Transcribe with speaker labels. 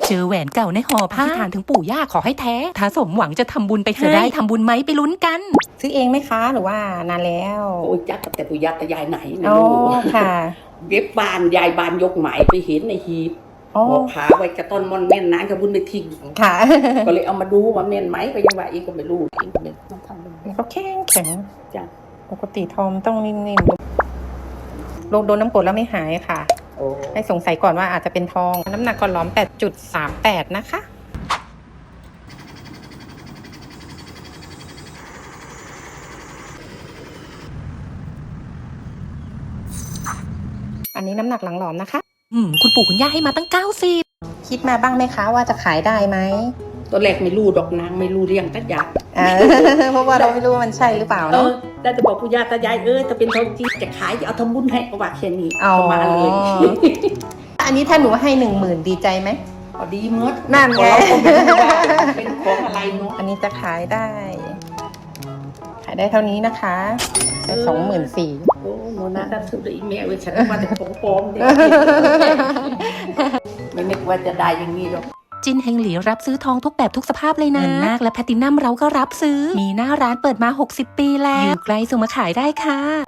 Speaker 1: เจอแหวนเก่าในห่อผ้าที่ฐานถึงปู่ย่าขอให้แท้ถ้าสมหวังจะทำบุญไปให้จะได้ทำบุญไหมไปลุ้นกัน
Speaker 2: ซื้อเองไหมคะหรือว่านานแล้ว
Speaker 3: โอ้ยจักแต่ปุยาตายายไหนไม่
Speaker 2: อ๋อ
Speaker 3: รู้
Speaker 2: ค่ะ
Speaker 3: เว็บบานยายบานยกหมายไปเห็นในหีบ
Speaker 2: อ๋อ
Speaker 3: บอกผาไว้กระต้นมอนแม่นนานกระบุญไปทิ้ง
Speaker 2: ค่ะ
Speaker 3: ก็เลยเอามาดูว่าแม่นไหมก็ยังว่าอีกก็ไม่รู้อีกก็ไม่ต้องทำเลย
Speaker 2: เขาแข็งแข็ง
Speaker 3: จ้ะ
Speaker 2: ปกติทอมต้องนิ่มๆลงโดนน้ำกรดแล้วไม่หายค่ะ
Speaker 3: โอ้
Speaker 2: ให้สงสัยก่อนว่าอาจจะเป็นทองน้ำหนักก่อนล้อม 8.38 นะคะอันนี้น้ำหนักหลังหลอมนะคะ
Speaker 1: คุณปู่คุณย่าให้มาตั้ง90
Speaker 2: คิดมาบ้างไหมคะว่าจะขายได้ไหม
Speaker 3: ตัวแรกไม่รู้ดอกนางไม่รู้เรียงตัดยา
Speaker 2: เพราะว่าเราไม่รู้ว่ามันใช่หรือเปล่า
Speaker 3: เอ
Speaker 2: เนาะ
Speaker 3: อได้แต่บอกปุยาตายายถ้าเป็นทองจริงจะขายจะเอาทำบุญให้ก็ว่าแค่นี้
Speaker 2: อ๋อ
Speaker 3: ก็มาเลย
Speaker 2: อันนี้ถ้าหนูให้ 10,000 ดีใจไหม
Speaker 3: พอดีเมื่อ
Speaker 2: นั่นไง
Speaker 3: เราก็ไม่รู้ว่าเป็นของอะไรเนาะ
Speaker 2: อันนี้จะขายได้ ขายได้เท่านี้นะคะได้24,000
Speaker 3: โอ้โหน่าจะซื้อได้อีเมลเว้ยฉันว่าจะของปลอมเนี่ยไม่นึกว่าจะได้อย่างนี้หรอก
Speaker 1: จินเฮงหลีรับซื้อทองทุกแบบทุกสภาพเลยนะเงินนาคและแพลตินัมเราก็รับซื้อมีหน้าร้านเปิดมา60 ปีแล้วอยู่ใกล้ส่งมาขายได้ค่ะ